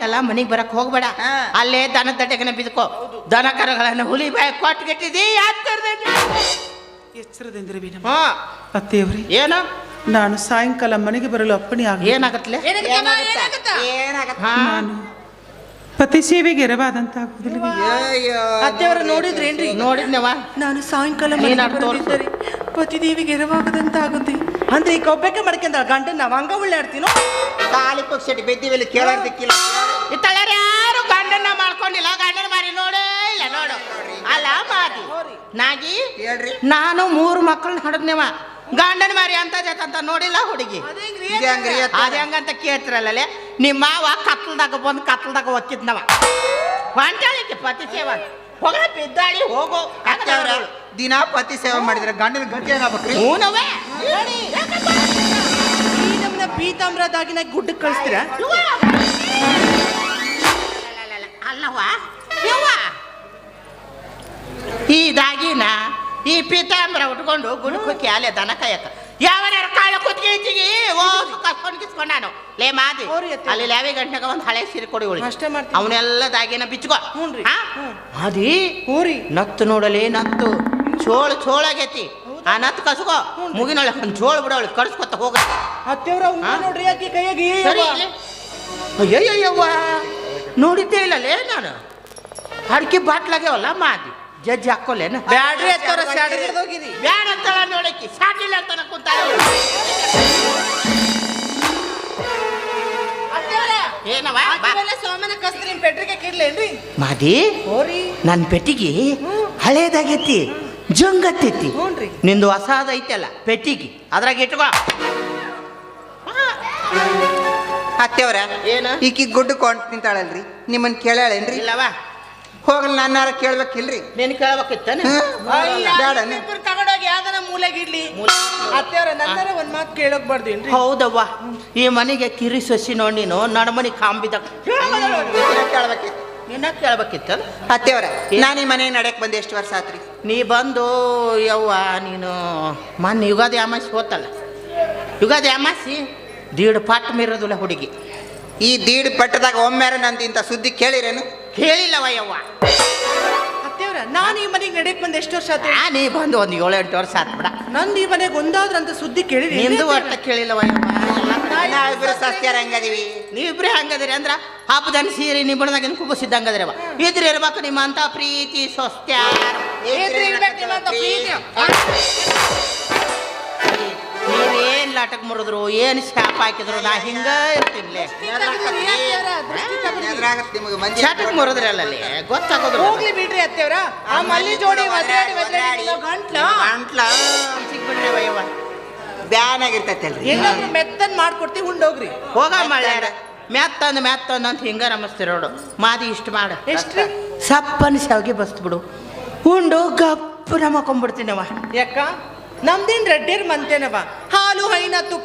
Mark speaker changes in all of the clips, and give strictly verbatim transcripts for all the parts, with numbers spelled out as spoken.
Speaker 1: ಎಲ್ಲ ಮನೆಗೆ ಬರಕ್ ಹೋಗ್ಬೇಡ, ಅಲ್ಲೇ ದನ ದಡ್ಡೆಗನ ಬಿದ್ಕೋ. ದನ ಕರಗಳನ್ನು ಹುಲಿ ಬಾಯಿ ಕೊಟ್ಟು ಗೆಟ್ಟಿದಿ
Speaker 2: ಎಚ್ಚರದಿಂದ್ರಿ ಅತ್ತೆಯವ್ರಿ.
Speaker 1: ಏನು
Speaker 2: ನಾನು ಸಾಯಂಕಾಲ ಮನೆಗೆ ಬರಲು ಅಪ್ಪಣೆ ಆಗ.
Speaker 1: ಏನಾಗತ್ಲೆ?
Speaker 2: ನಾನು ಪತಿ ಸೇವೆಗೆ ಎರವಾದಂತಾಗುದಿಲ್ಲ.
Speaker 1: ಅತ್ತೆಯವ್ರ ನೋಡಿದ್ರೇನ್ರಿ? ನೋಡಿದ್ನವ.
Speaker 2: ನಾನು ಸಾಯಂಕಾಲ ತೋರಿಸಿದರೆ ಪತಿದೇವಿಗೆ ಎರವಾಗದಂತಾಗುತ್ತೆ ಅಂದ್ರೆ ಈಗ ಒಬ್ಬಕ್ಕೆ ಮಾಡ್ಕೊಂಡ ಗಂಟೆ ನಾವ್ ಹಂಗ ಉಳ್ಳಾಡ್ತೀನೋ
Speaker 3: ತಾಳಿ ಪಕ್ಷಿ ಬೆದ್ದಿವೆಲ್ಲಿ ಕೇಳೋದಕ್ಕಿಲ್ಲ.
Speaker 1: ಇತ್ತಳ್ಯಾರ ಯಾರು ಗಂಡನ್ನ ಮಾಡ್ಕೊಂಡಿಲ್ಲ, ಗಂಡನ ಮಾರಿ ನೋಡೇ ಇಲ್ಲ. ನೋಡು ಅಲ್ಲ ಮಾದಿ ನಾಗಿ
Speaker 3: ಹೇಳ್ರಿ.
Speaker 1: ನಾನು ಮೂರು ಮಕ್ಕಳನ್ನ ಹಡದ್ನೇವ, ಗಂಡನ ಮಾರಿ ಅಂತ ಜತ ನೋಡಿಲ್ಲ ಹುಡುಗಿ. ಅದ ಹೆಂಗಂತ ಕೇಳ್ತಿರಲ್ಲೇ ನಿಮ್ಮ ಮಾವ ಕತ್ಲದಾಗ ಬಂದು ಕತ್ಲದಾಗ ಒಕ್ಕಿದ್ನವ ಹೊಂಟಾಳಿಕೆ ಪತಿ ಸೇವಾ ಹೋಗ ಬಿದ್ದಾಳಿ ಹೋಗೋ.
Speaker 3: ದಿನಾ ಪತಿ ಸೇವೆ ಮಾಡಿದ್ರೆ ಗಂಡನ ಗಂಟೆ ಏನಾಗ್ಬೇಕ್ರಿ?
Speaker 1: ಹೂನವೇ
Speaker 2: ನಮ್ಮನ್ನ ಪೀತಾಂಬ್ರದಾಗಿನ ಗುಡ್ಡಕ್ಕೆ ಕಳಿಸ್ತೀರ?
Speaker 1: ಅಲ್ಲವಾ ಯವ್ವ, ಈ ದಾಗಿನ ಈ ಪೀತಾಂಬ್ರ ಉಟ್ಕೊಂಡು ಗುಣಕ್ಕೆ ಅಲೆ ದನ ಕಾಯಕ ಯಾವನಾರ ಕಾಳ ಕುತ್ಕೀಚಿಗಿ ಓ ಕಸ್ಕೊಂಡು ಕಿಸ್ಕೊಂಡಾನು ಲೇ ಮಾದಿ ಅಲ್ಲಿ ಲ್ಯಾವಿ ಗಂಟೆಗ ಒಂದು ಹಳೆ ಸೀರೆ ಕೊಡಿ ಉಳಿ
Speaker 2: ಅಷ್ಟೇ ಮಾಡ್ತೀನಿ.
Speaker 1: ಅವನ್ನೆಲ್ಲ ದಾಗಿನ ಬಿಚ್ಕೋ.
Speaker 2: ಹ್ಞೂನ್ರಿ.
Speaker 1: ಮಾದಿ
Speaker 2: ಹೂರಿ
Speaker 1: ನತ್ತು ನೋಡಲಿ ನತ್ತು ಚೋಳು ಚೋಳಾಗೈತಿ. ಆ ನತ್ತು ಕಸ್ಕೋ ಮುಗಿನೊಳಗೆ ಒಂದು ಚೋಳು ಬಿಡೋಳಿ ಕಡ್ಸ್ಕೊತ ಹೋಗ.
Speaker 2: ಅತ್ತೆವ್ರ ನೋಡ್ರಿ ಆಕಿ ಕೈಯಾಗಿ
Speaker 1: ಅಯ್ಯಯ್ಯವ್ವ ನೋಡಿದ್ದೇ ಇಲ್ಲಲೇ ನಾನು. ಅಡಿಕೆ ಬಾಟ್ಲಾಗ್ಯಾವಲ್ಲ ಮಾದಿ ಜಜ್ಜಿ ಹಾಕೋಲೇನ
Speaker 2: ಬ್ಯಾಡ್ರಿ ಅತ್ತವ್ರ ಸ್ಯಾಡಗಿಡ್ದೋಗಿರಿ
Speaker 1: ಬ್ಯಾಡ ಅಂತಳ ನೋಡಕ್ಕಿ ಸಾಟಿಲ್ಲ ಅಂತ ಕುಂತಾಳ. ಏನವ
Speaker 2: ಸೋಮನ ಕಸ್ತ್ರಿ ಪೆಟ್ರಿಗೆ ಕಿಡ್ಲೇನ್ರಿ
Speaker 1: ಮಾದಿ?
Speaker 2: ಹೋರಿ
Speaker 1: ನನ್ನ ಪೆಟ್ಟಿಗೆ ಹಳೇದಾಗೈತಿ, ಜಂಗತ್ತೈತಿ.
Speaker 2: ಹ್ಞೂನ್ರಿ.
Speaker 1: ನಿಂದು ಹೊಸಾದ ಐತಲ್ಲ ಪೆಟ್ಟಿಗೆ, ಅದ್ರಾಗ ಇಟ್ಕೋ.
Speaker 3: ಅತ್ತೆವ್ರ
Speaker 1: ಏನ
Speaker 3: ಈಕಿ ಗುಡ್ಡ ಕೊಂಡ್ ನಿಂತಾಳಲ್ರಿ, ನಿಮ್ಮನ್ ಕೇಳೇನ್ರಿ?
Speaker 1: ಇಲ್ಲವಾ
Speaker 3: ಹೋಗಲ್ ನಾನಾರ ಕೇಳ್ಬೇಕಿಲ್ರಿ?
Speaker 1: ನೀನ್ ಕೇಳ್ಬೇಕಿತ್ತಾನ?
Speaker 2: ತಗೊಂಡೋಗಿ ಯಾವ್ದನ ಮೂಲೆಗಿಡ್ಲಿ. ಅತ್ತೆವ್ರ ನಂತರ ಒಂದ್ ಮಾತು ಕೇಳೋಕ್ ಬಾರ್ದೇನ್ರಿ?
Speaker 1: ಹೌದವ್ವ, ಈ ಮನೆಗೆ ಕಿರಿ ಸೊಸಿ ನೋಡಿ ನೀನು ನಡಮನಿ ಕಾಂಬಿದ
Speaker 3: ಕೇಳ್ಬೇಕಿತ್ತು.
Speaker 1: ನಿನ್ನ ಕೇಳ್ಬೇಕಿತ್ತ?
Speaker 3: ಅತ್ತೆವ್ರ ನಾನು ಈ ಮನೆ ನಡ್ಯಕ್ ಬಂದೆ ಎಷ್ಟು ವರ್ಷ ಆತ್ರಿ?
Speaker 1: ನೀ ಬಂದು ಯವ್ವ ನೀನು ಮೊನ್ನೆ ಯುಗಾದಿ ಅಮಾಸಿ ಹೋತಲ್ಲ, ಯುಗಾದಿ ಅಮಾಸಿ ದೀಡ್ ಪಾಟ್ ಮೀರೋದಿಲ್ಲ ಹುಡುಗಿ.
Speaker 3: ಈ ದೀಡ್ ಪಟ್ಟದಾಗ ಒಮ್ಮೆರ ನಂದು ಇಂಥ ಸುದ್ದಿ ಕೇಳಿರೇನು?
Speaker 1: ಕೇಳಿಲ್ಲವ ಯವ್ವ.
Speaker 2: ಅತ್ತೆವ್ರ ನಾನು ಈ ಮನೆಗೆ ನಡ್ಯಕ್ ಬಂದು ಎಷ್ಟು ವರ್ಷ ಆತ?
Speaker 1: ನೀ ಬಂದು ಒಂದು ಏಳು ಎಂಟು ವರ್ಷ ಆತ್ ಬಿಡ.
Speaker 2: ನಂದು ಈ ಮನೆಗೆ ಒಂದಾದ್ರ ಅಂತ ಸುದ್ದಿ ಕೇಳಿರಿ?
Speaker 1: ನಿಂದು ಒಟ್ಟ ಕೇಳಿಲ್ಲವ ಯವ್ವ.
Speaker 3: ನಾವಿಬ್ರು ಸಸ್ತ್ಯಾರ ಹಂಗದೀವಿ.
Speaker 1: ನೀವಿಬ್ರೇ ಹಂಗದಿರಿ ಅಂದ್ರ ಹಬ್ಬದನ್ ಸೀರೆ ನಿಬ್ಬಣದಾಗಿನ ಕುಬಸಿದ್ದಂಗದ್ರವ. ಇದ್ರ ಇರ್ಬೇಕು ನಿಮ್ಮ ಅಂತ ಪ್ರೀತಿ ಸ್ವಸ್ತ್ಯಾರ. ನೀವೇನ್ ಲಾಟಕ್ ಮುರಿದ್ರು ಏನ್ ಶಾಪ್ ಹಾಕಿದ್ರು ನಾ ಹಿಂಗ ಇರ್ತೀನಿ. ಶಾಟಕ್ ಮುರಿದ್ರಿ ಅಲ್ಲಲ್ಲಿ ಗೊತ್ತಾಗೋದು.
Speaker 2: ಹೋಗ್ಲಿ ಬಿಡ್ರಿ ಅತ್ತೆವ್ರ, ಆ ಮಲ್ಲಿ ಜೋಡಿ
Speaker 1: ಗಂಟ್ಲ ಸಿಕ್ಬಿಡ್ರಿ ವಯ್ಯವ
Speaker 3: ಬ್ಯಾನ್ ಆಗಿರ್ತೈತಲ್ರಿ.
Speaker 2: ಏನಾದ್ರು ಮೆತ್ತನ್ ಮಾಡ್ಕೊಡ್ತೀವಿ ಉಂಡೋಗ್ರಿ.
Speaker 1: ಹೋಗ ಮಾಡ್ಯಾರ ಮೆತ್ತಂದ್ ಮೆತ್ತಂದ್ ಅಂತ ಹಿಂಗ ನಮಸ್ತಿ ನೋಡು. ಮಾದಿ ಇಷ್ಟ ಮಾಡ
Speaker 2: ಎಷ್ಟ್ರಿ?
Speaker 1: ಸಪ್ಪನ್ ಶಾವಿಗೆ ಬಸ್ತ್ ಬಿಡು, ಉಂಡು ಗಪ್ಪು ನಮಕೊಂಡ್ಬಿಡ್ತೀನವ.
Speaker 2: ಯಾಕ ನಮ್ದೇನ್ ರೆಡ್ಡಿರ್ ಮಂತೇನವ, ಹಾಲು ಹೈನ ತುಪ್ಪ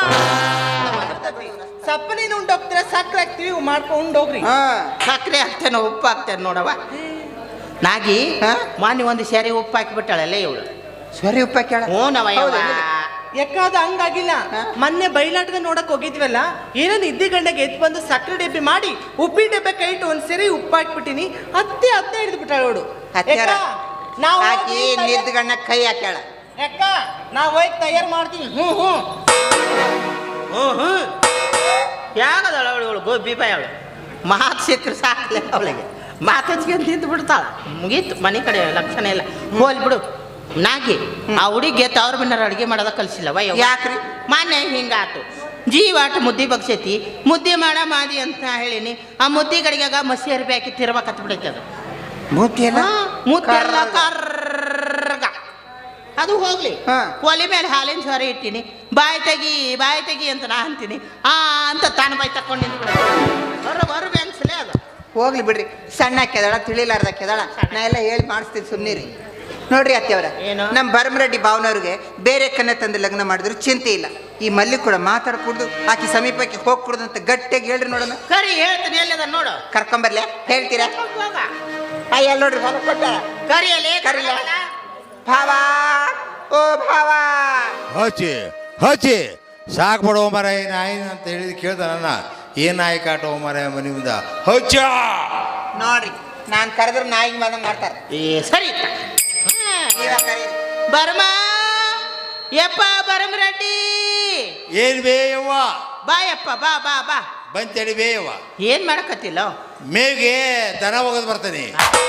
Speaker 2: ಸಪ್ಪನೇನು ಉಂಡೋಗ್ತೀರ, ಸಕ್ಕರೆ ಹಾಕ್ತಿವಿ ಮಾಡ್ಕೊಂಡು ಉಂಡೋಗ್ರಿ.
Speaker 1: ಸಕ್ಕರೆ ಹಾಕ್ತೇನೆ ಉಪ್ಪು ಹಾಕ್ತೇನೆ ನೋಡವ. ನಾಗಿ ಮಾನಿ ಒಂದು ಸರಿ ಉಪ್ಪು ಹಾಕಿಬಿಟ್ಟಾಳಲ್ಲೇ ಇವಳು.
Speaker 3: ಸರಿ ಉಪ್ಪ ಕೇಳ.
Speaker 1: ಹ್ಞೂ ನವ
Speaker 2: ಯಾಕಾದ ಹಂಗಾಗಿಲ್ಲ. ಮೊನ್ನೆ ಬಯಲಾಟದ ನೋಡಕ್ ಹೋಗಿದ್ವಲ್ಲ, ಏನೋ ಇದ್ದಿ ಗಂಡೆಗೆ ಎದ್ದು ಬಂದು ಸಕ್ಕರೆ ಡಬ್ಬಿ ಮಾಡಿ ಉಪ್ಪಿ ಡಬ್ಬೆ ಕೈ ಇಟ್ಟು ಒಂದ್ ಸರಿ ಉಪ್ಪು ಹಾಕ್ಬಿಟ್ಟಿನಿ, ಅತ್ತೆ ಅತ್ತೆ ಹಿಡಿದು ಬಿಟ್ಟಾಳ ನೋಡು.
Speaker 3: ನಾವು ನಿದ್ದ ಗಣ್ಣ ಕೈ ಹಾಕ್ಯಾಳ.
Speaker 2: ಯಾಕ ನಾವ್ ಹೋಗಿ ತಯಾರು ಮಾಡ್ತೀವಿ. ಹ್ಞೂ ಹ್ಞೂ
Speaker 1: ಹ್ಞೂ ಹ್ಞೂ ಯಾಗದಳ ಅವಳು ಇವಳು ಗೋಬಿ ಬಾಯ್ ಅವಳು. ಮಾತು ಸಿಕ್ಕರೆ ಸಾಕಲೇ ಅವಳಿಗೆ, ಮಾತಚ್ಕೊಂಡು ತಿಂದು ಬಿಡ್ತಾಳ. ಮುಗೀತು, ಮನೆ ಕಡೆ ಲಕ್ಷಣ ಇಲ್ಲ. ಹೋಲ್ ಬಿಡು. ನಾಗಿ ಆ ಹುಡುಗಿ ತವ್ರ ಮನೆಯವ್ರು ಅಡುಗೆ ಮಾಡೋದ ಕಲಿಸಿಲ್ಲವ.
Speaker 3: ಯಾಕ್ರಿ?
Speaker 1: ಮಾನ್ಯ ಹಿಂಗಾತು ಜೀವಾಟ ಮುದ್ದೆ ಬಗ್ಸೈತಿ, ಮುದ್ದೆ ಮಾಡ ಮಾದಿ ಅಂತ ಹೇಳಿನಿ. ಆ ಮುದ್ದೆ ಗಡಿಗಾಗ ಮಸಿ ಅರ್ಬಿ ಹಾಕಿ ತಿರ್ಬೇಕತ್ ಬಿಡೈತೆ ಅದು.
Speaker 3: ಮುದ್ದೆ
Speaker 1: ಮುದ್ದೆಲ್ಲ ಕರ್ಗ ಅದು ಹೋಗ್ಲಿ. ಒಲೆ ಮೇಲೆ ಹಾಲಿನ ಸೊರೆ ಇಟ್ಟಿನಿ, ಬಾಯಿ ತೆಗಿ ಬಾಯಿ ತೆಗಿ ಅಂತ ನಾ ಅಂತೀನಿ. ಆ ಅಂತ ತಾನು ಬಾಯಿ ತಕೊಂಡು ನಿಂತು ಬಿಡ ಹೊರ ಹೊರ ಬೆನ್ಸಲೇ ಅದು.
Speaker 3: ಹೋಗ್ಲಿ ಬಿಡ್ರಿ, ಸಣ್ಣ ಕೆದಾಳ ತಿಳಿಲಾರ್ದ ಕೆದಾಳ. ನಾ ಎಲ್ಲ ಹೇಳಿ ಮಾಡಿಸ್ತೀನಿ ಸುಮ್ಮನಿರಿ. ನೋಡ್ರಿ ಅತ್ತೆಯವರ, ನಮ್ಮ ಭರಮರೆಡ್ಡಿ ಭಾವನವ್ರಿಗೆ ಬೇರೆ ಕನ್ನೆ ತಂದು ಲಗ್ನ ಮಾಡಿದ್ರು ಚಿಂತೆ ಇಲ್ಲ. ಈ ಮಲ್ಲಿ ಕೂಡ ಮಾತಾಡ್ಕೂಡ್ದು, ಆಕಿ ಸಮೀಪಕ್ಕೆ ಹೋಗ್ಕೂಡ್ದು ಅಂತ ಗಟ್ಟಿಯಾಗಿ ಹೇಳ್ರಿ ನೋಡೋಣ.
Speaker 1: ಕರಿ ಹೇಳ್ತೀನಿ, ಎಲ್ಲದ ನೋಡು.
Speaker 3: ಕರ್ಕೊಂಬರ್ಲೆ ಹೇಳ್ತೀರಾ? ಅಯ್ಯ ನೋಡ್ರಿ ಹೊಲ ಕೊಟ್ಟ
Speaker 1: ಕರಿಯಲೇ
Speaker 3: ಕರಿಯ ಭಾವ, ಓ ಭಾವ
Speaker 4: ಹಚ್ಚಿ ಹಚ್ಚಿ ಸಾಕು ಬಿಡುವ ಮರ ಏನು ಆಯ್ತು ಅಂತ ಹೇಳಿದ್ ಕೇಳ್ದ ನನ್ನ ಏನು ನಾಯಿ ಕಾಟ ಮರ ಮನೆ ಮುಂದೆ ಹಚ್ಚ
Speaker 3: ನೋಡ್ರಿ ನಾನು ಕರೆದ್ರೆ ನಾಯಿಗೆ ಬಂದಂಗೆ ಮಾಡ್ತಾರೆ.
Speaker 1: ಏ ಸರಿ
Speaker 3: ನೀವೇ ಕರೀರಿ.
Speaker 1: ಬರ್ಮ ಯಪ್ಪ ಬರಮ್ ರೆಡ್ಡಿ
Speaker 4: ಏನು ಬೇಯವ್ವ
Speaker 1: ಬಾ ಯಪ್ಪ ಬಾ ಬಾ ಬಾ
Speaker 4: ಬಂತೇಳಿ ಬೇಯವ್ವ.
Speaker 1: ಏನ್ ಮಾಡಕತ್ತಿಲ್ಲ
Speaker 4: ಮೇಗೆ ದನ ಹೋಗೋದು ಬರ್ತಾನೆ.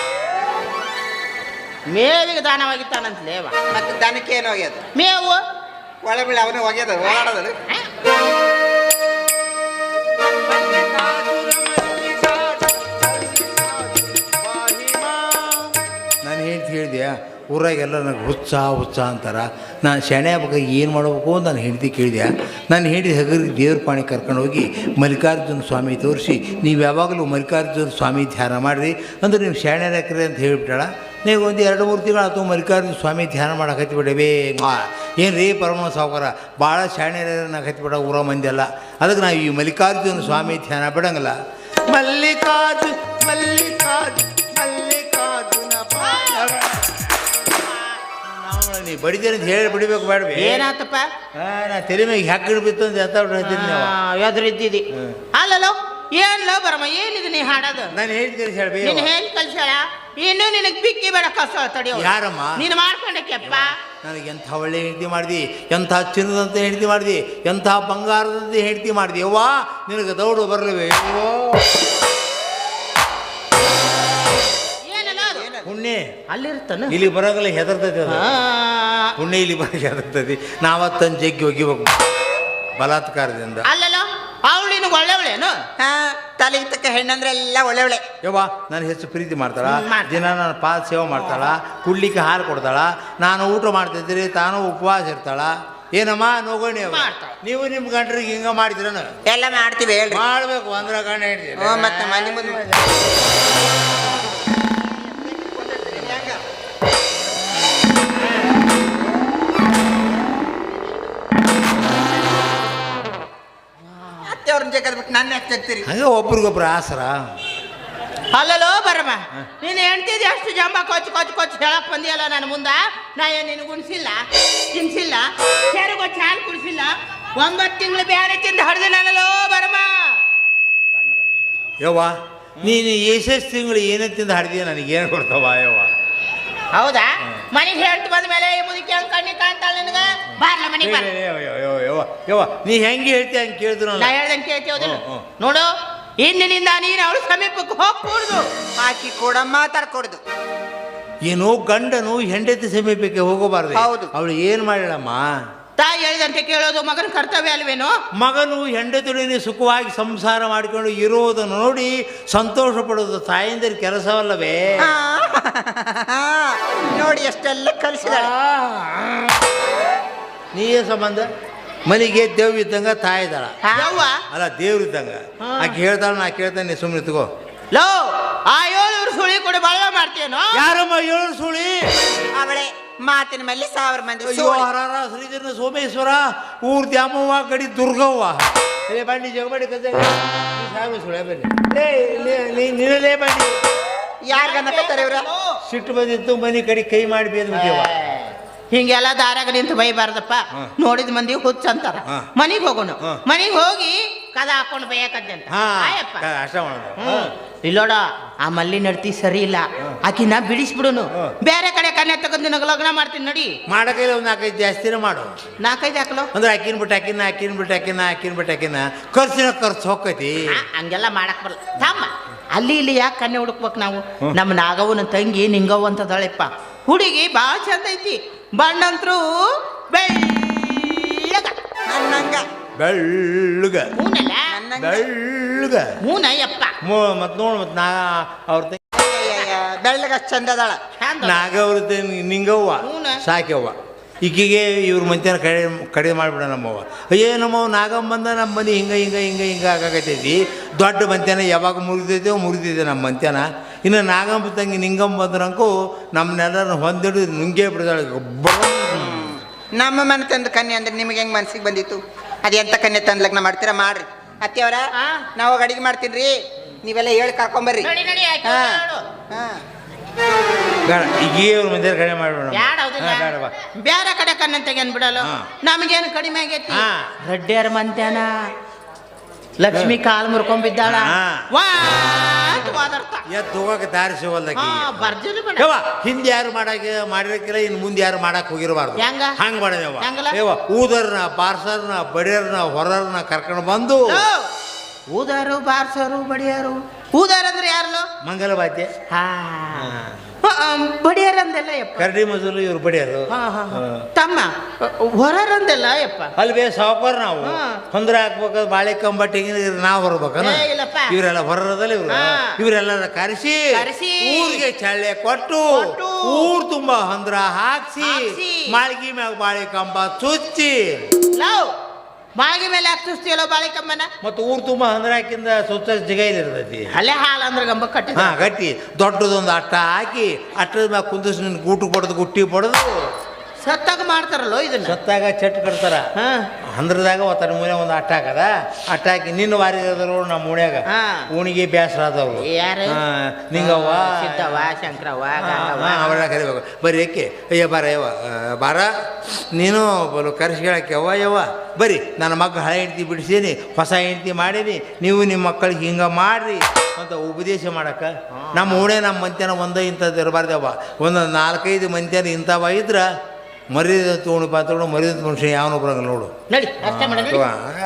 Speaker 1: ಮೇವಿಗೆ ದಾನವಾಗಿತ್ತಾನಂತಲೇವ
Speaker 3: ಮತ್ತೆ ದನಕ್ಕೆ ಏನು ಹೋಗ್ಯದ
Speaker 1: ಮೇವು
Speaker 3: ಒಳೆ ಬೀಳಿ ಅವನೇ ಹೋಗ್ಯದ ಓಡಾಡೋದು.
Speaker 4: ನಾನು ಹೇಳ್ತಿ ಹೇಳಿದೆ ಊರಾಗೆಲ್ಲ ನನಗೆ ಹುಚ್ಚ ಹುಚ್ಚ ಅಂತಾರ. ನಾನು ಶೆಣೆ ಹಬ್ಬಕ್ಕೆ ಏನು ಮಾಡಬೇಕು ಅಂತ ನಾನು ಹೆಂಡತಿ ಕೇಳಿದೆ. ನಾನು ಹೇಳಿದ ಹಗರಿಗೆ ದೇವ್ರ ಪಾಣಿ ಕರ್ಕೊಂಡು ಹೋಗಿ ಮಲ್ಲಿಕಾರ್ಜುನ ಸ್ವಾಮಿ ತೋರಿಸಿ ನೀವು ಯಾವಾಗಲೂ ಮಲ್ಲಿಕಾರ್ಜುನ ಸ್ವಾಮಿ ಧ್ಯಾನ ಮಾಡಿರಿ ಅಂದ್ರೆ ನೀವು ಶೆಣೆ ಹಾಕ್ರಿ ಅಂತ ಹೇಳಿಬಿಟ್ಟಾಳ. ನೀವು ಒಂದು ಎರಡು ಮೂರು ತಿಂಗಳು ಆಯ್ತು ಮಲ್ಲಿಕಾರ್ಜುನ ಸ್ವಾಮಿ ಧ್ಯಾನ ಮಾಡಕ್ಕೆ ಬಿಡಬೇ ಏನು ರೀ ಪರಮ ಸಾವುಕಾರ ಭಾಳ ಶಾಣೆನ ಹತ್ತಿಬಿಡ ಊರ ಮಂದಿ ಅಲ್ಲ. ಅದಕ್ಕೆ ನಾವು ಈ ಮಲ್ಲಿಕಾರ್ಜುನ ಸ್ವಾಮಿ ಧ್ಯಾನ ಬಿಡಂಗಿಲ್ಲ. ಮಲ್ಲಿಕಾರ್ಜುನ ಮಲ್ಲಿಕಾರ್ಜುನ ಮಲ್ಲಿಕಾರ್ಜುನ ನೀ ಬಡಿದೇನೆ ಅಂತ ಹೇಳಿ ಬಿಡಬೇಕು ಬೇಡವೆ.
Speaker 1: ಏನಾತಪ್ಪ
Speaker 4: ಹಾಂ ನಾ ತಲೆ ಮೇಲೆ ಹ್ಯಾಕಿಡ್ ಬಿತ್ತು ಅಂತ ಎತ್ತ ಬಿಡ್ತೀನಿ ನಾವು
Speaker 1: ಎದುರಿದ್ದಿದಿ ಅಲ್ಲಲ್ಲೋ ಏನ್ಲೋ ಬರಮ್ಮ ಏನಿದೆ ನೀ ಹಾಡೋದು
Speaker 4: ನಾನು ಹೇಳ್ತೀನಿ ಹೇಳಿ
Speaker 1: ನೀನು ಹೇಳಿ ಕಲ್ಸಾಳ ಇನ್ನು ನಿನಗೆ ಬಿಕ್ಕಿ ಬೇಡ ಕಸ ತಡಿಯೋ
Speaker 4: ಯಾರಮ್ಮ
Speaker 1: ನೀನು ಮಾಡ್ಕೊಂಡಕ್ಕೆಪ್ಪ.
Speaker 4: ನನಗೆ ಎಂಥ ಒಳ್ಳೆ ಹೆಂಡತಿ ಮಾಡಿದಿ, ಎಂಥ ಚಿನ್ನದಂತ ಹೆಂಡತಿ ಮಾಡಿದಿ, ಎಂಥ ಬಂಗಾರದಂತ ಹೆಂಡತಿ ಮಾಡಿದಿ. ಅವ್ವಾ ನಿನಗೆ ದೌಡು ಬರಲಿವೆ ಪುಣ್ಯ
Speaker 1: ಅಲ್ಲಿರ್ತಾನ
Speaker 4: ಇಲ್ಲಿ ಬರೋಗಲ್ಲ ಹೆದರ್ತೈತಿ ಅದು ಪುಣ್ಯ ಇಲ್ಲಿ ಬರೋಕೆ ಹೆದರ್ತೈತಿ. ನಾವತ್ತಂದು ಜಗ್ಗಿ ಒಗಿಬೇಕು ಬಲಾತ್ಕಾರದಿಂದ.
Speaker 1: ಅಲ್ಲಲ್ಲೋ ಅವಳು ನಿನಗೆ ಒಳ್ಳೆವಳೇನು
Speaker 3: ಹಾ ತಲೆಗೆ ತಕ್ಕ ಹೆಣ್ಣಂದ್ರೆ ಎಲ್ಲ ಒಳ್ಳೆ ಒಳ್ಳೆ.
Speaker 4: ಯವ್ವ ನಾನು ಹೆಚ್ಚು ಪ್ರೀತಿ ಮಾಡ್ತಾಳ, ದಿನ ನನ್ನ ಪಾದ ಸೇವೆ ಮಾಡ್ತಾಳ, ಕುಡ್ಲಿಕ್ಕೆ ಹಾಲು ಕೊಡ್ತಾಳ, ನಾನು ಊಟ ಮಾಡ್ತಿದ್ರಿ ತಾನು ಉಪವಾಸ ಇರ್ತಾಳ. ಏನಮ್ಮ ನೋಗೋಣಿ ಅವ ನೀವು ನಿಮ್ಮ ಗಂಡ್ರಿಗೆ ಹಿಂಗ ಮಾಡಿದ್ರನು
Speaker 3: ಎಲ್ಲ ಮಾಡ್ತೀವಿ ಹೇಳಿ
Speaker 4: ಮಾಡ್ಬೇಕು ಅಂದ್ರೆ ಗಂಡ ಹೇಳ್ತೀವಿ.
Speaker 3: ಮತ್ತೆ ಮನೆ ಮುಂದೆ ಅವ್ರನ್ನ ಜಗದ್ಬಿಟ್ಟು ನನ್ನ ಯಾಕೆ ಜಗ್ತೀರಿ?
Speaker 4: ಹಂಗೆ ಒಬ್ರಿಗೊಬ್ರು ಆಸರ.
Speaker 1: ಅಲ್ಲಲ್ಲೋ ಬರಮ್ಮ ನೀನು ಹೆಣ್ತಿದ್ದೆ ಅಷ್ಟು ಜಂಬ ಕೊಚ್ಚು ಕೊಚ್ಚು ಕೊಚ್ಚು ಹೇಳಕ್ ಬಂದಿಯಲ್ಲ ನನ್ನ ಮುಂದ ನಾ ಏನು ನಿನಗೆ ಉಣಿಸಿಲ್ಲ ತಿನ್ಸಿಲ್ಲ ಕೆರೆಗೊಚ್ಚು ಹಾಲು ಕುಡಿಸಿಲ್ಲ ಒಂಬತ್ತು ತಿಂಗಳು ಬೇರೆ ತಿಂದು ಹಡ್ದಿನಲ್ಲೋ ಬರಮ್ಮ.
Speaker 4: ಯವ್ವ ನೀನು ಎಷ್ಟೆಷ್ಟು ತಿಂಗಳು ಏನೇ ತಿಂದು ಹಾಡಿದೀಯ ನನಗೇನು ಕೊಡ್ತಾವ ಯವ್ವ?
Speaker 1: ಹೌದಾ ಮನೆಗೆ ಹೇಳ್ತು ಬಂದ ಮೇಲೆ ಈ ಮುದುಕಿ ಹಂಗೆ ಕಣ್ಣಿ ಕಾಣ್ತಾಳ ನಿನಗೆ ಬಾರ್ಲ ಮನೆಗೆ ಬಾರ.
Speaker 4: ಯವ್ವ ಯವ್ವ ನೀ ಹೆಂಗೆ ಹೇಳ್ತೀಯ ಹಂಗೆ ಕೇಳಿದ್ರು
Speaker 1: ನಾ ಹೇಳ್ದಂಗೆ ಕೇಳ್ತೀವದಿಲ್ಲ ನೋಡು ಇಂದಿನಿಂದ ನೀನು ಅವಳು ಸಮೀಪಕ್ಕೆ ಹೋಗ್ಕೂಡ್ದು
Speaker 3: ಹಾಕಿ ಕೂಡ ಮಾತಾಡ್ಕೊಡ್ದು.
Speaker 4: ಏನು ಗಂಡನು ಹೆಂಡತಿ ಸಮೀಪಕ್ಕೆ ಹೋಗಬಾರ್ದು.
Speaker 3: ಹೌದು.
Speaker 4: ಅವಳು ಏನು ಮಾಡಿಳಮ್ಮ?
Speaker 1: ತಾಯಿ ಹೇಳಿದಂತೆ ಕೇಳೋದು ಮಗನ ಕರ್ತವ್ಯ ಅಲ್ವೇನು?
Speaker 4: ಮಗನು ಹೆಂಡತಿಯೊಡನೆ ಸುಖವಾಗಿ ಸಂಸಾರ ಮಾಡಿಕೊಂಡು ಇರುವುದನ್ನು ನೋಡಿ ಸಂತೋಷ ಪಡೋದು ತಾಯಿಂದರ ಕೆಲಸವಲ್ಲವೇ?
Speaker 3: ನೋಡಿ ಎಷ್ಟೆಲ್ಲ ಕಲಿಸಿದಾಳ.
Speaker 4: ನೀಯೇ ಸಂಬಂಧ ಮನೆಗೆ ದೇವ್ ಇದ್ದಂಗ ತಾಯಿ ಇದ್ದಾಳ
Speaker 1: ಯವ್ವ
Speaker 4: ಅಲ್ಲ ದೇವ್ರ ಇದ್ದಂಗ. ಆಕೆ ಹೇಳ್ತಾಳ ನಾ ಕೇಳ್ತಾನೆ ಸುಮ್ಮನೆ ತಗೋ.
Speaker 1: ಲೋ ಆ ಏಳು ಸುಳಿ ಕೊಡಿ ಬಳವ ಮಾಡ್ತೇನೋ?
Speaker 4: ಯಾರಮ್ಮ ಏಳು ಸುಳಿ?
Speaker 3: ಅವಳೆ ಮಾತಿನ ಮೇಲೆ ಸಾವಿರ ಮಂದಿ
Speaker 4: ಅಯ್ಯೋ ಹರಾರ ಶ್ರೀಧರ ಸೋಮೇಶ್ವರ ಊರ್ ದ್ಯಾಮವ್ವ ಗಡಿ ದುರ್ಗವ್ವ ಲೇ ಬಂಡಿ ಜಗಬಡಿ ಕತೆ ಸಾವಿರ ಸುಳೆ ಬನ್ನಿ ನಿನ್ನಲೇ ಬಂಡಿ
Speaker 3: ಯಾರ್ಗನ್ನಕತ್ತಾರೆ ಇವ್ರ?
Speaker 4: ಸಿಟ್ಟು ಬಂದಿತ್ತು ಮನೆ ಕಡೆ ಕೈ ಮಾಡಿ ಬೇದ್ ಬಿಟ್ಟಿವ.
Speaker 1: ಹಿಂಗೆಲ್ಲ ದಾರಾಗ ನಿಂತು ಬೈಬಾರ್ದಪ್ಪ. ನೋಡಿದ ಮಂದಿ ಹುಚ್ಚ ಅಂತಾರ. ಮನಿಗ್ ಹೋಗೋಣ ಮನಿಗ್ ಹೋಗಿ ಕದ ಹಾಕೊಂಡು ಬೈಯಕಂತ
Speaker 4: ಅಷ್ಟ ಮಾಡೋದು.
Speaker 1: ಇಲ್ಲೋಡ ಆ ಮಲ್ಲಿ ನಡ್ತಿ ಸರಿ ಇಲ್ಲ ಆಕಿನ ಬಿಡಿಸ್ಬಿಡುನು ಬೇರೆ ಕಡೆ ಕನ್ಯಾ ತಗೊಂಡು ನಿನಗೆ ಲಗ್ನ ಮಾಡ್ತೀನಿ ನೋಡಿ.
Speaker 4: ಮಾಡಕೈಲ್ಲ ಒಂದು ನಾಲ್ಕೈದು ಜಾಸ್ತಿನೇ ಮಾಡು.
Speaker 1: ನಾಲ್ಕೈದು ಹಾಕಲು
Speaker 4: ಅಂದ್ರೆ ಅಕ್ಕಿನ ಬಿಟ್ಟು ಅಕ್ಕಿನ ಅಕ್ಕಿನ ಬಿಟ್ಟು ಅಕ್ಕಿನ ಅಕ್ಕಿನ ಬಿಟ್ಟು ಅಕ್ಕಿನ ಖರ್ಚಿನ ಖರ್ಚು ಹೋಗ್ತೈತಿ.
Speaker 1: ಹಂಗೆಲ್ಲ ಮಾಡಕ್ ಬರಲ್ಲ ತಮ್ಮ. ಅಲ್ಲಿ ಇಲ್ಲಿ ಯಾಕೆ ಕನ್ಯೆ ಹುಡುಕ್ಬೇಕು ನಾವು? ನಮ್ಮ ನಾಗವ್ವನ ತಂಗಿ ನಿಂಗವ್ವ ಅಂತದಳೆಪ್ಪ ಹುಡುಗಿ ಭಾಳ ಚಂದ ಐತಿ. ಬಣ್ಣಂತ್ರು ಬೆಳ್ಳಗ
Speaker 3: ನನ್ನಂಗ
Speaker 4: ಬೆಳ್ಳಗ
Speaker 1: ಹೂನಲ್ಲ
Speaker 4: ಬೆಳ್ಳಗ
Speaker 1: ಹೂನ ಯಪ್ಪ
Speaker 4: ಮತ್ ನೋಡ್ ಮತ್ ನಾ ಅವ್ರ
Speaker 3: ಬೆಳ್ಳಗ ಚಂದದಾಳ
Speaker 4: ನಾಗವ್ರ ನಿಂಗವ್ವ ಸಾಕ್ಯವ್ವ. ಈಕಿಗೆ ಇವ್ರ ಮಂತ್ಯಾನ ಕಡೆ ಕಡಿಮೆ ಮಾಡಿಬಿಡ ನಮ್ಮವ್ವ. ಅಯ್ಯೇ ನಮ್ಮವ್ವ ನಾಗಮ್ಮ ಬಂದ ನಮ್ಮ ಮನೆ ಹಿಂಗೆ ಹಿಂಗೆ ಹಿಂಗೆ ಹಿಂಗೆ ಆಗಾಕತ್ತೈತಿ. ದೊಡ್ಡ ಮಂತ್ಯಾನ ಯಾವಾಗ ಮುರಿದೈತೆ ಮುರಿದಿದೆ ನಮ್ಮ ಮಂತ್ಯಾನ. ಇನ್ನು ನಾಗಮ್ಮ ತಂಗಿ ನಿಂಗಮ್ಮ ಬಂದ್ರಂಕು ನಮ್ಮನ್ನೆಲ್ಲರೂ ಹೊಂದಿಡು ನುಂಗೇ ಬಿಡ್ತಾಳೆ.
Speaker 3: ನಮ್ಮ ಮನೆ ತಂದು ಕನ್ಯೆ ಅಂದ್ರೆ ನಿಮಗೆ ಹೆಂಗೆ ಮನ್ಸಿಗೆ ಬಂದಿತ್ತು? ಅದೆಂತ ಕನ್ಯೆ ತಂದು ಲಗ್ನ ಮಾಡ್ತೀರಾ ಮಾಡ್ರಿ. ಅತ್ತೆಯವರ ನಾವು ಅಡಿಗೆ ಮಾಡ್ತೀನಿ ರೀ, ನೀವೆಲ್ಲ ಹೇಳಿ ಕರ್ಕೊಂಬರ್ರಿ. ಹಾಂ
Speaker 4: ಬೇಡ ಈಗ ಇವ್ರ ಮಂದಿರ ಕಡಿಮೆ ಮಾಡ್ಬೇಡ.
Speaker 1: ಬೇರೆ ಕಡೆ ಕಣ್ಣಂತೆಗೆ ಅನ್ಬಿಡಲ್ಲ. ನಮಗೇನು ಕಡಿಮೆ ಆಗೈತಿ? ರೆಡ್ಡಿಯರ ಮಂತ್ಯಾನ ಲಕ್ಷ್ಮಿ ಕಾಲ್ ಮುರ್ಕೊಂಡ್ಬಿದ್ದಾಳ
Speaker 4: ಹಾ.
Speaker 1: ವಾ ಅಂತ ವಾದರ್ತ
Speaker 4: ಎದ್ದು ಹೋಗಕ್ಕೆ ದಾರಿ ಸಿಗೋಲ್ದಕ್ಕೆ
Speaker 1: ಹಾ ಬರ್ಜರಿ ಬೇಡ
Speaker 4: ಯವ್ವ ಹಿಂದೆ ಯಾರು ಮಾಡಕ್ಕೆ ಮಾಡಿರಕ್ಕಿಲ್ಲ ಇನ್ನು ಮುಂದೆ ಯಾರು ಮಾಡಕ್ ಹೋಗಿರಬಾರ್ದು
Speaker 1: ಹೆಂಗ?
Speaker 4: ಹಂಗ್ ಮಾಡದೇವ
Speaker 1: ಹೆಂಗಲ್ಲ?
Speaker 4: ಯವ್ವ ಊದರ್ನ ಬಾರ್ಸರ್ನ ಬಡಿಯರ್ನ ಹೊರರ್ನ ಕರ್ಕೊಂಡು ಬಂದು
Speaker 1: ಊದಾರು ಬಾರ್ಸರು ಬಡಿಯಾರು ಊದಾರ ಅಂದ್ರೆ ಯಾರಲ್ಲೋ
Speaker 4: ಮಂಗಲ ಬಾದ್ಯ
Speaker 1: ಹಾ ಬಡಿಯಾರಂದೆಲ್ಲ ಯಪ್ಪ
Speaker 4: ಕರಡಿ ಮಜಲು ಇವ್ರು ಬಡಿಯರು
Speaker 1: ಹಾ, ಹಾ, ಹಾ. ತಮ್ಮ ಹೊರಂದೆಲ್ಲ ಯಪ್ಪ
Speaker 4: ಅಲ್ವೇ ಸಾವುಕಾರ ನಾವು
Speaker 1: ಹಾ.
Speaker 4: ಹೊಂದ್ರ ಹಾಕ್ಬೇಕಾದ್ರೆ ಬಾಳೆ ಕಂಬಟ್ಟಿಗೆ ನಾವು ಬರ್ಬೇಕನ
Speaker 1: ಏ, ಇಲ್ಲಪ್ಪ.
Speaker 4: ಇವರೆಲ್ಲ ಹೊರದಲ್ಲ ಇವ್ರು
Speaker 1: ಹಾ.
Speaker 4: ಇವರೆಲ್ಲ ಕರೆಸಿ
Speaker 1: ಕರೆಸಿ.
Speaker 4: ಊರಿಗೆ ಚಳ್ಳೆ ಕೊಟ್ಟು
Speaker 1: ಕೊಟ್ಟು.
Speaker 4: ಊರ್ ತುಂಬಾ ಹೊಂದ್ರ ಹಾಕ್ಸಿ
Speaker 1: ಹಾಕ್ಸಿ.
Speaker 4: ಮಾಳ್ಗಿ ಮ್ಯಾಗ ಬಾಳೆ ಕಂಬ ಚುಚ್ಚಿ
Speaker 1: ಲವ್ ಮಾಗಿ ಮೇಲೆ ಯಾಕೆ ಚುಸ್ತಿಯಲ್ಲೋ ಬಾಳಿಕಮ್ಮನ
Speaker 4: ಮತ್ತು ಊರ್ ತುಂಬಾ ಹೊಂದ್ರ ಹಾಕಿಂದ ಸುತ್ತ ಜಿಗೈಲಿ ಇರ್ತೈತಿ
Speaker 1: ಅಲ್ಲೇ ಹಾಲು ಅಂದ್ರೆ ಗಂಬ ಕಟ್ಟಿ
Speaker 4: ಹಾ ಗಟ್ಟಿ ದೊಡ್ಡದೊಂದು ಅಟ್ಟ ಹಾಕಿ ಅಟ್ಟದ ಮ್ಯಾಗ ಕುಂದಿಸ್ ನಿನ್ ಗೂಟು ಪಡೆದು ಗುಟ್ಟಿ ಪಡೆದು
Speaker 1: ಸತ್ತಾಗ ಮಾಡ್ತಾರಲ್ಲೋ ಇದನ್ನ
Speaker 4: ಸತ್ತಾಗ ಚಟ್ ಕಟ್ತಾರ
Speaker 1: ಹಾ
Speaker 4: ಹಂದ್ರದಾಗ ಒತ್ತನ ಮೂಲೆ ಒಂದು ಅಟ್ಟ ಹಾಕದ ಅಟ್ಟ ಹಾಕಿ ನಿನ್ನ ವಾರಿ ಅದರು ನಮ್ಮ ಓಣ್ಯಾಗ
Speaker 1: ಹಾ.
Speaker 4: ಓಣಿಗೆ ಬೇಸರ ಆದವ್ರು
Speaker 1: ಯಾರು?
Speaker 4: ಹಾ, ನಿಂಗವ್ವ
Speaker 1: ಸಿದ್ದವ್ವ ಶಂಕರವ್ವ
Speaker 4: ಹಾ,
Speaker 1: ಗಂಗವ್ವ.
Speaker 4: ಹಾ, ಅವಳ ಕರಿಬೇಕು ಬರ್ರಿ ಏಕೆ ಅಯ್ಯ ಬಾರ ಯವ್ವ ಆ, ಬಾರ ನೀನು ಬಲು ಕರೆಸ್ಕೊಳಕ್ಕೆ ಯವ್ವ ಯವ್ವ ಬರ್ರಿ ನನ್ನ ಮಗ ಹಳೆ ಹೆಂಡ್ತಿ ಬಿಡಿಸೀನಿ ಹೊಸ ಹೆಂಡ್ತಿ ಮಾಡೀನಿ ನೀವು ನಿಮ್ಮ ಮಕ್ಕಳಿಗೆ ಹಿಂಗೆ ಮಾಡ್ರಿ ಅಂತ ಉಪದೇಶ ಮಾಡಕ್ಕ ನಮ್ಮ ಓಣೆ ನಮ್ಮ ಮಂತ್ಯಾನ ಒಂದೇ ಇಂಥದ್ದು ಇರಬಾರ್ದವ್ವ ಒಂದು ನಾಲ್ಕೈದು ಮಂತ್ಯಾನ ಇಂಥವ ಇದ್ರ ಮರ್ಯಾದ ತೊಗೊಂಡು ಪಾತ್ಕೊಂಡು ಮರ್ಯಾದ ಮನುಷ್ಯ ಯಾವನೋ ಬರಂಗಿಲ್ಲ ನೋಡು
Speaker 1: ನಡಿ ಅಷ್ಟೇ ಮಾಡ ನಡಿ.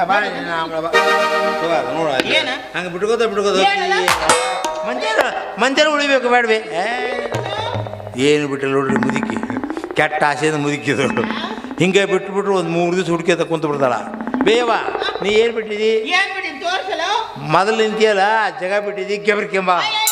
Speaker 1: ಏನ?
Speaker 4: ಹಂಗೆ ಬಿಟ್ಕೋತ ಬಿಟ್ಕೋತ
Speaker 1: ಏನಲ್ಲ?
Speaker 4: ಮಂತ್ಯಾನ ಮಂತ್ಯಾನ ಉಳಿಬೇಕು ಬೇಡವೆ ಏನು ಬಿಟ್ಟಲ್ಲ ನೋಡ್ರಿ ಮುದುಕಿ ಕೆಟ್ಟ ಆಸೆಯಿಂದ ಮುದುಕಿದ್ರು ಹಿಂಗೆ ಬಿಟ್ಬಿಟ್ರು ಒಂದು ಮೂರು ದಿವಸ ಹುಡುಕಿ ಕುಂತು ಬಿಡ್ತಾಳ ಬೇವ ನೀ ಏನು ಬಿಟ್ಟಿದಿ
Speaker 1: ಏನ್ ಬಿಡಿ ತೋರ್ಸಲ್ಲ
Speaker 4: ಮೊದಲು ನಿಂತಿಯಲ್ಲ ಜಾಗ ಬಿಟ್ಟಿದಿ ಕೆಬ್ರ ಕೆಂಬ
Speaker 1: ಅಯ್ಯ